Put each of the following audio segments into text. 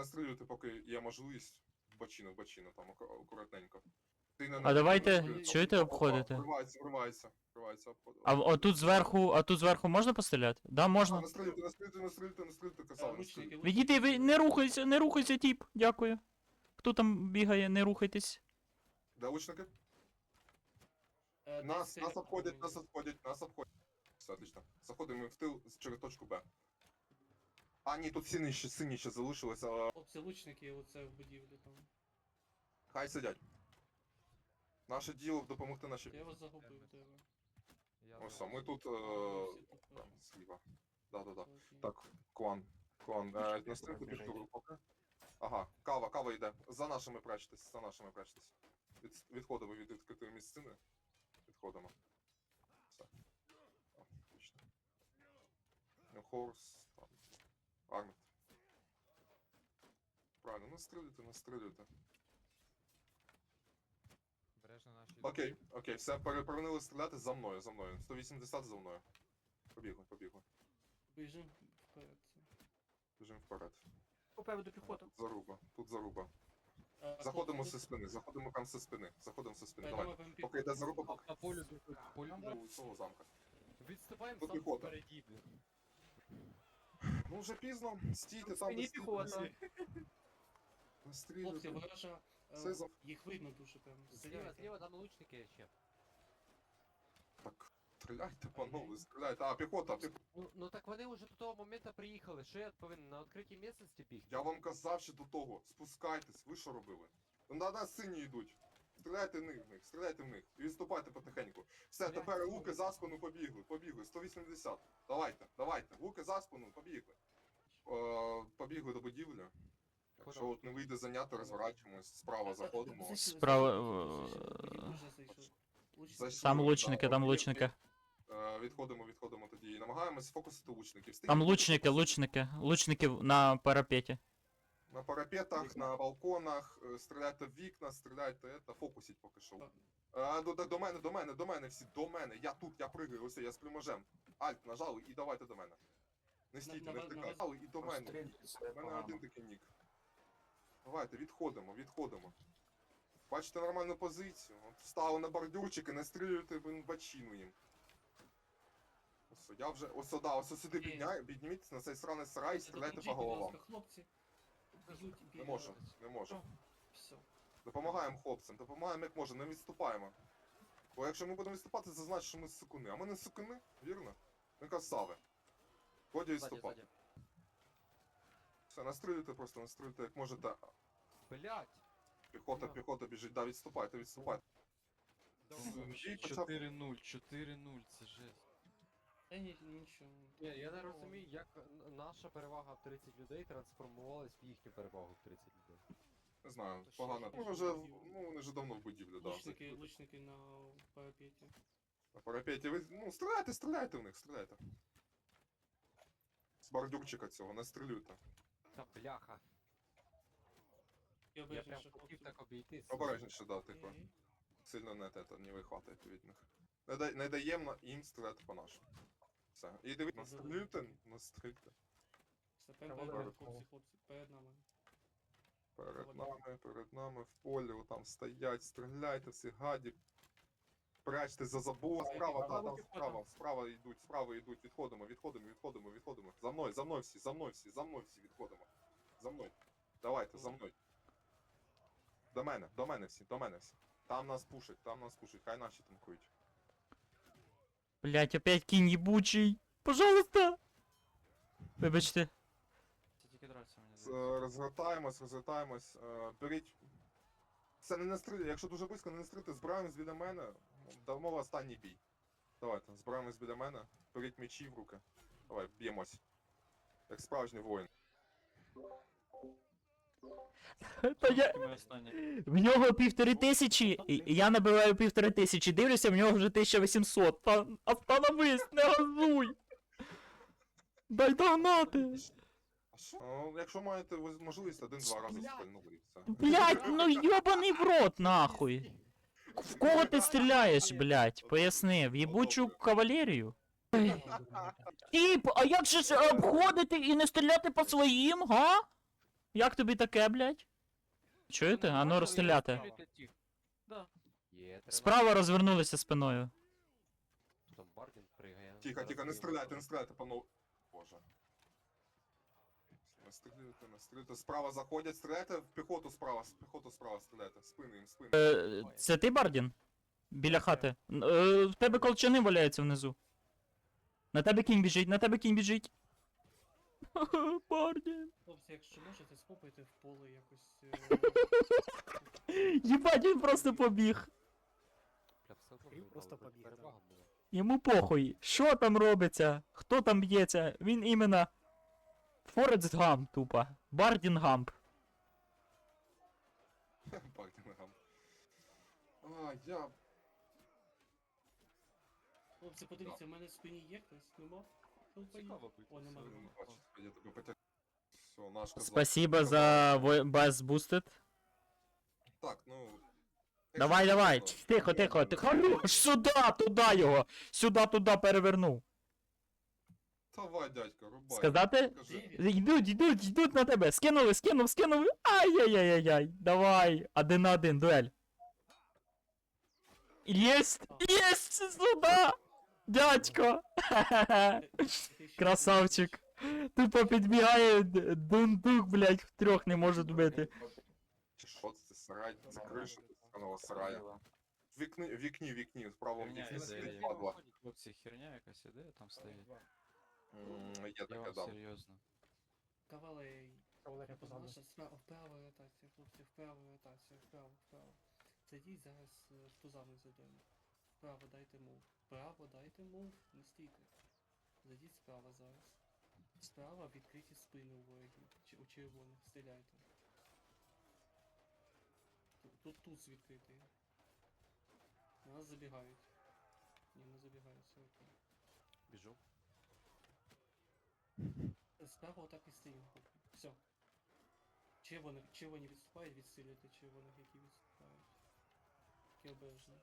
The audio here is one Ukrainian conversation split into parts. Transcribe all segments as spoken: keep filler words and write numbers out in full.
настрілюйте, поки є можливість. В бочину, в бочину, там аку- акуратненько. Ти не А давайте, настрілюй. чуєте, Опа, обходити? Вривається, вривається, вривається. А в- отут зверху, а тут зверху можна постріляти? Да, А, можна. настрілюйте, настрілюйте, настрілюйте, настрілюйте, Е, красава, Лучники, настрілюйте. лучники. Відійди, ви не рухайся, не рухайся, тіп. Дякую. Хто там бігає, не рухайтесь. Де лучники? Е, Нас, десь нас це- обходять, нас обходять, нас обходять. Все, отлично. Заходимо в тил з- через точку Б. А, ні, тут сині ще, сині ще залишилися, але Хлопці, лучники, оце в будівлі там. хай сидять. Наше діло допомогти нашій... Я вас загубив, тебе. Я Ось, а зараз. ми тут... Всі Е... тут Там, зліва. Да-да-да. окей. Так, клан. Клан. Е, настрілити біжу поки. Ага, кава, кава йде. За нашими прячтесь, за нашими прячтесь. Від, відходимо від відкритої місцини. Відходимо. Все. О, отлично. Ну, Хорс, там. Армет. Правильно, настрілюйте, настрілюйте. Бережно наші. Окей, окей, все, перевернули стріляти за мною, за мною. сто вісімдесят за мною. Побігли, побігли. Біжим вперед. Біжимо вперед. Попереду піхота. Тут заруба, тут заруба. Е, Заходимо хлопці, зі спини, заходимо прям зі спини. Заходимо зі спини, Е, давай. давай, прям під- Поки йде заруба, поки По полю, по полю. у цього замка. Відступаємо Тут сам піхота. впереді, блін. Ну вже пізно, стійте там, Спині де стійте. піхота. Хлопці, Настрілюйте. ворожа. е, Це за- Їх видно дуже прям. Зліва, Стріляйте. зліва, там лучники ще. Так, стріляйте, панове, стріляйте. А, піхота, піхота. Ну, ну так вони вже до того моменту приїхали. Що я повинен на відкритій місцевості бігти? Я вам казав ще до того, спускайтесь, ви що робили? Ну, на нас сині йдуть. Стріляйте в них, в них, стріляйте в них. І відступайте потихеньку. Все, Блядь, тепер ну. луки за спину побігли, побігли. сто вісімдесят. Давайте, давайте. Луки за спину, побігли. Е, побігли до будівлі. Якщо от не вийде зайняти, розворачуємось, справа заходимо. Зайшли, Справа, зайшли, е, зайшли, дуже зайшли. Лучники. Зайшли. Там лучники, там лучники. Е, відходимо, відходимо тоді. І намагаємось фокусити лучників. Там Стійте, лучники, лучники. Лучники на парапеті. На парапетах, на балконах, е, стріляйте в вікна, стріляйте, это, фокусіть поки що. А, до, до, до мене, до мене, до мене всі, до мене. Я тут, я пригаю, ось я з плюможем. Альт нажали і давайте до мене. Не стійте, На- не на- втикайте. на- Нажали і до мене. У мене один такий нік. Давайте, відходимо, відходимо. Бачите нормальну позицію. От встали на бордюрчик і настрілюєте в бачину їм. Ось, я вже, ось да, ось сюди підняй, підніміться на цей сраний сарай і стріляйте по Допоможіть, будь головам. ласка, хлопці. Б'ють, Не бігають. можемо, не можемо. Все. Допомагаємо хлопцям, допомагаємо як можемо, не відступаємо. Бо якщо ми будемо відступати, це значить, що ми сукуни. А ми не сукуни, вірно? Ми красави. Годі Ззаді, відступати. ззаді. Все, настрілюйте просто, настрілюйте як можете. Блять! Піхота, піхота біжить, да, відступайте, відступайте. Давай. І почав- чотири нуль, чотири нуль, це жесть. Та ні, нічого. Ні, я не розумію, як н- наша перевага в тридцять людей трансформувалась в їхню перевагу в тридцять людей. Не знаю, Та ще погано. є Ну, більше вже, будівлі. ну, вони вже давно в будівлі, да. Лучники, закрили. лучники на парапеті. На парапеті ви, ну, стріляйте, стріляйте в них, стріляйте. З бордюрчика цього, настрілюйте. Та бляха. І Я прям обережніше, хотів хлопці. так обійти. Обережніше, да, тихо. Окей. Сильно не, те, не вихватайте від них. Не, дай, не даємо їм стріляти по нашому. Все. І дивіться, настрілюйте, настрілюйте. Все, прямо Треба перед нами, вибухово. хлопці, хлопці, перед нами. Перед нами, перед нами, в полі, там стоять, стріляйте всі гаді. Прячьте за забор, справа, та, там справа, справа йдуть, справа йдуть, відходимо, відходимо, відходимо, відходимо. За мною, за мною всі, за мною всі, за мною всі відходимо. За мною. Давайте, за мною. До мене, до мене всі, до мене всі. Там нас пушать, там нас пушать, хай наші танкують. Блять, опять кінь єбучий. Пожалуйста. Вибачте. Це тільки драться мені З- здається. Розгортаємось, розгортаємось, е, беріть. Це не настріляйте, якщо дуже близько, не настріляйте, збираємось біля мене. Давно останній бій. Давайте, збираємось біля мене, беріть мечі в руки. Давай, б'ємось. Як справжній воїн. Та я... Тільки ми останні. В нього півтори тисячі, і і я набиваю півтори тисячі, дивлюся, в нього вже тисяча вісімсот. Та остановись, не газуй! Дай догнати! А що? Ну, якщо маєте ви- можливість, один-два рази Блядь. спальнули і все. Блять, ну йобаний в рот, нахуй! В кого ти стріляєш, блять? Поясни, в єбучу кавалерію? Тіп, а як же ж обходити і не стріляти по своїм, га? Як тобі таке, блядь? Чуєте? А ну розстріляти. Стріляйте тих. Да. Є, треба. Справа розвернулися спиною. Там Бардін пригає. Тихо, Зараз тихо, не його стріляйте, там. не стріляйте, панове. Боже. Не стріляйте, не стріляйте. Справа заходять, стріляйте в піхоту справа, в піхоту справа стріляйте. В спини їм, в спини. Е, це ти, Бардін? Біля хати. Н- Е, в тебе колчани валяються внизу. На тебе кінь біжить, на тебе кінь біжить. Бардін. Хлопці, якщо можете, скопайте в поле якось. е, Єбать, він просто побіг. Бля, все одно Він ми просто мали побіг, перевагу да. була. Йому похуй. Що там робиться? Хто там б'ється? Він іменно. Форест Гамп, тупо. Бардін Гамп. Бардінгам. А, я... Хлопці, подивіться, в мене в спині є хтось, нема? Хлопці, Цікаво бити. О, нема. Не бачу, я тебе потяг... Все, наш казак. Спасибо за Best Boosted. Так, ну... Давай, якщо давай. чесно, Тихо, я тихо, не тихо. знаю. Хорош, сюди, туди його. Сюди, туди перевернув. Давай, дядько, рубай. Сказати? Кажи. Де він? Йдуть, йдуть, йдуть на тебе. Скинули, скинув, скинув. Ай-яй-яй-яй. Давай. Один на один, дуель. Єсть! Єсть! Сюди! Дядько! Ти- ти ще Красавчик. Тупо підбігає д- дундук, блядь, в трьох не може вбити. Чи що це, сарай? Це криша сраного сарая. В вікні, в вікні, в вікні, в правому Херня вікні іде. сидить падла. Хлопці, херня якась іде, там стоїть. М, Є Я таке, вам да. серйозно. Кавалерій. Кавалерія позаду. Наша справа вправо ротація, хлопці, вправо ротація, вправо, вправо. Зайдіть зараз е, в тузами зайдемо. Вправо дайте мув. Вправо дайте мув, не стійте. Зайдіть справа зараз. Справа відкриті спини у ворогів. Чи у червоних, стріляйте. Тут, тут туз відкритий. На нас забігають. Ні, не забігають, все окей. Біжу. Справа отак і стоїмо. Все. Червоних, червоні відступають, відсилюйте червоних, які відступають. Такі обережно.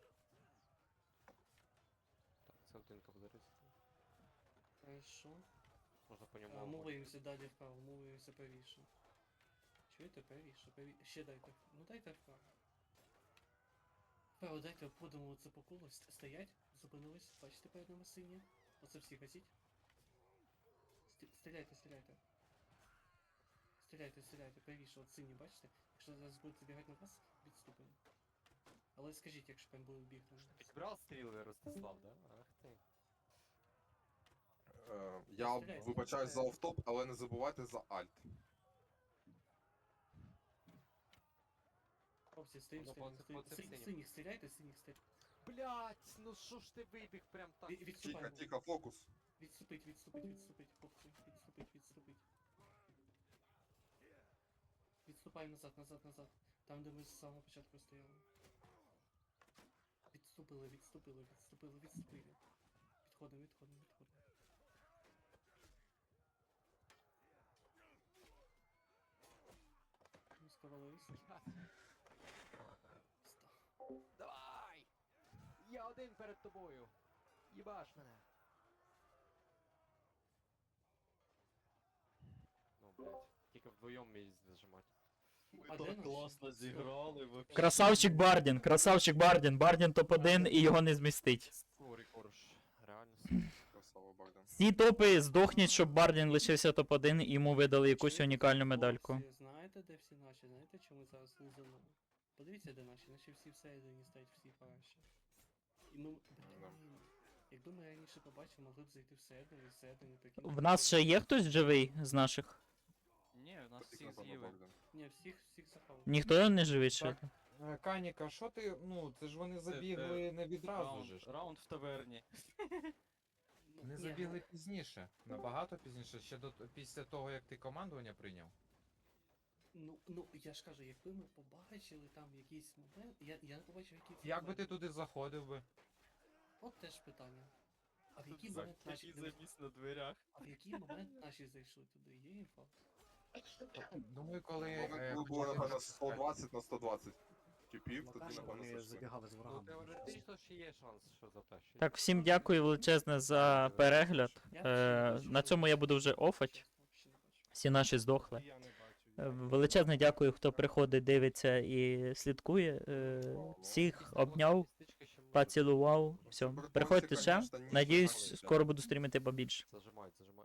Так, це один кавалерист. Хорошо. Можна по А, ньому. мовуємося далі вправо, мовуємося правіше. Чуєте, правіше, правіше. Ще дайте. Ну дайте вправо. Вправо дайте, обходимо оце по колу. Ст- Стоять, зупинились. Бачите перед нами синє? Оце всі гасіть. Сті- Стріляйте, стріляйте. Стріляйте, стріляйте, правіше, от сині, бачите? Якщо зараз будуть забігати на вас, відступимо. Але скажіть, якщо прям будуть бігти. на вас. Підбрав стріли, Ростислав, да? Ах ти. Е, Я Стріляй, вибачаюсь за офтоп, але не забувайте за альт. Хлопці, стоїм, Ну, стоїм, по- стоїм. по цим Синіх, синім. синіх, стріляйте, синіх, стріляйте. Блять, ну що ж ти вибіг прям так? Ві- Тихо, Відступаємо. тихо, фокус. Відступить, відступить, відступить, хлопці, відступить, відступить. Відступай назад, назад, назад. Там, де ми з самого початку стояли. Відступили, відступили, відступили, відступили. Відходимо, відходимо, відходимо. Ну, скавалились. Давай! Я один перед тобою! Їбаш мене! Ну, блять, тільки вдвоєм мій зажимати. А де наші? зіграли, вообще. Красавчик Бардін, красавчик Бардін. Бардін топ один і його не змістить. Корі корж, реально. Красава, Барден. Всі топи здохніть, щоб Бардін лишився топ один і йому видали якусь Чуєте, унікальну медальку. хлопці, знаєте, де всі наші? Знаєте, чому зараз не за мною? Подивіться, де наші. Наші всі всередині стоять, всі параші. І ми... Блін. Якби ми раніше побачили, могли б зайти всередину і всередину такі... В нас ще є хтось живий з наших? Ні, в нас Тільки, всіх напевно, з'їли. Барден. Ні, всіх, всіх захавали. Ніхто не живий ще? Е, Каніка, що ти. Ну, це ж вони забігли не відразу Раунд, же. ж. раунд в таверні. Ну, Не ні, забігли пізніше. Набагато пізніше, ще до після того, як ти командування прийняв. Ну, ну, я ж кажу, якби ми побачили там якийсь момент, я, я не побачив якийсь Як би момент. ти туди заходив би? От теж питання. А в який момент наші... заміс на дверях. А в який момент наші зайшли туди? Є інфа? Думаю, коли. е, Момент було, почали напевно, запускати. сто двадцять на сто двадцять. Кипів, тоді, Локально напевно, вони зайшли. забігали з Ну, ворогами. теоретично ще є шанс, що затащить. Так, всім дякую величезне за перегляд. Я Е, взагалі не на бачу. цьому я буду вже офать. Чесно, взагалі не бачу. Всі наші здохли. Я не бачу. Е, Величезне дякую, хто приходить, дивиться і слідкує. Е, Всіх обняв, поцілував. Все. Прикольчик, Приходьте ще. конечно, ніж Надіюсь, нахуй. скоро буду стрімити побільше. Зажимають, зажимають.